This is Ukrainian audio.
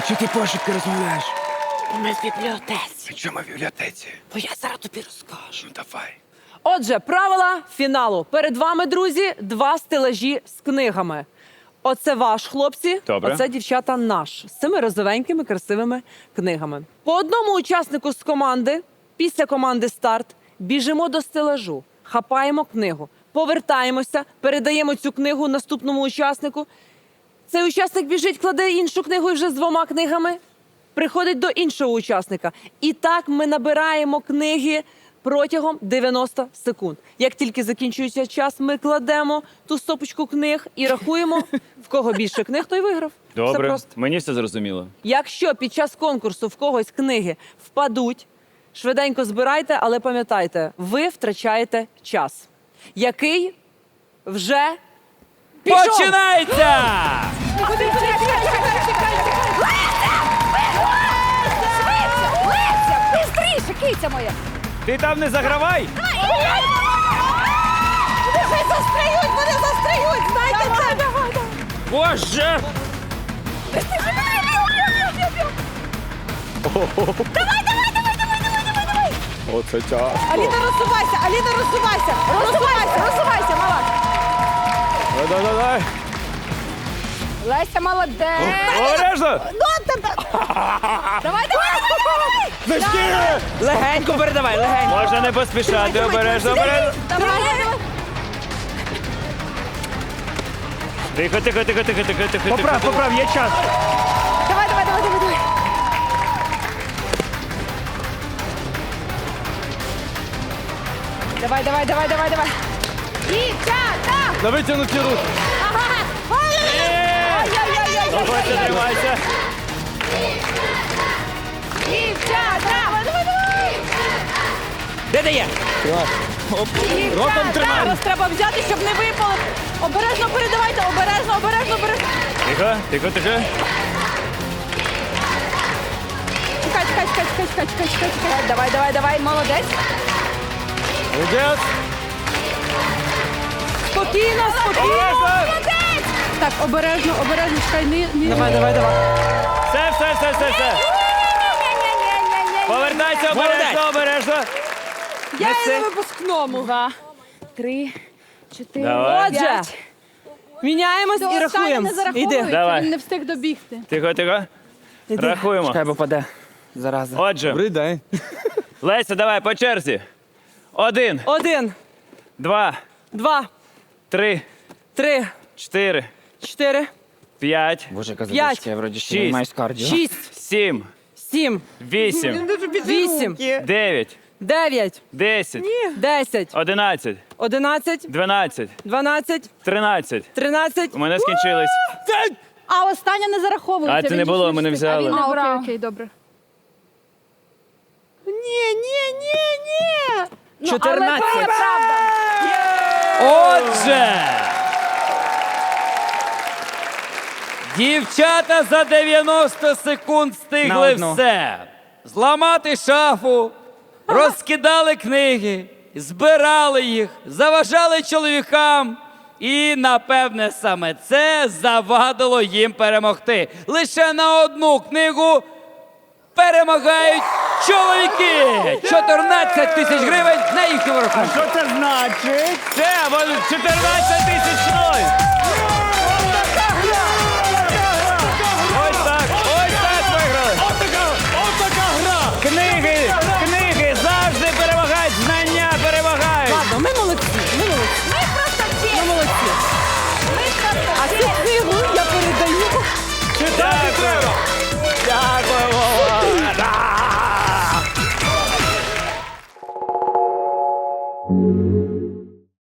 Чи ти пошепки розмовляєш? Ми в бібліотеці. Чому в бібліотеці? Бо я зараз тобі розкажу. Ну давай. Отже, правила фіналу. Перед вами, друзі, 2 стелажі з книгами. Оце ваш, хлопці, Добре. оце, дівчата, наш. З цими розовенькими, красивими книгами. По одному учаснику з команди, після команди «Старт», біжимо до стелажу, хапаємо книгу, повертаємося, передаємо цю книгу наступному учаснику. Цей учасник біжить, кладе іншу книгу і вже з 2 книгами приходить до іншого учасника. І так ми набираємо книги протягом 90 секунд. Як тільки закінчується час, ми кладемо ту стопочку книг і рахуємо, в кого більше книг, той виграв. Все Добре, просто. мені все зрозуміло. Якщо під час конкурсу в когось книги впадуть, швиденько збирайте, але пам'ятайте, ви втрачаєте час, який вже пішов. Починається! Бистріше, киця моя! Ти там не загравай! Вони застряють, знаєте це! Боже! Оце тяжко. Аліна, розсувайся, мала! Давай. Леся, молодець! Обережно! Давай! Легенько передавай, легенько. Можна не поспішати, обережно. Давай! Тихо. Поправ, є час. Давай! Давай! Дівчата! На витягнуті руки. Ага! Ой-ой-ой! Давайте, тримайся. Дівчата! Де дає? Ротом тримай. Зараз треба взяти, щоб не випало. Обережно передавайте, обережно. Тихо. Чекай. Давай, молодець. Молодець. Спокійно. Обережно! Так, обережно, чекай, Давай. Все. Повертайся, обережно. Я і на випускному. 2, 3, 4, Давай. Отже, міняємось і рахуємо. Іди. Давай. Він не встиг добігти. Тихо. Рахуємо. Чекай, бо паде. Зараза. Отже, Добрий день. Леся, давай по черзі. 1, 1, 2, 2, 3, 3, 4, 4, П'ять, Боже, яка П'ять. задачка, я вроді ще Шість. не маю з кардіо. 6, 7, 7, 8, 8, 9, 9, 10, 10, 11, 11, 12, 12, 13. 13. У мене скінчились. А останнє не зараховується. А це він не же було, ж ми не встиг. взяли. Окей, добре. Ну, 14. але це правда. Отже, дівчата за 90 секунд На встигли одну. все. Зламати шафу, розкидали книги, збирали їх, заважали чоловікам. І, напевне, саме це завадило їм перемогти. Лише на одну книгу перемагають чоловіки. 14 тисяч гривень на їхньому рахунку. Що це значить? Це 14 тисяч 0.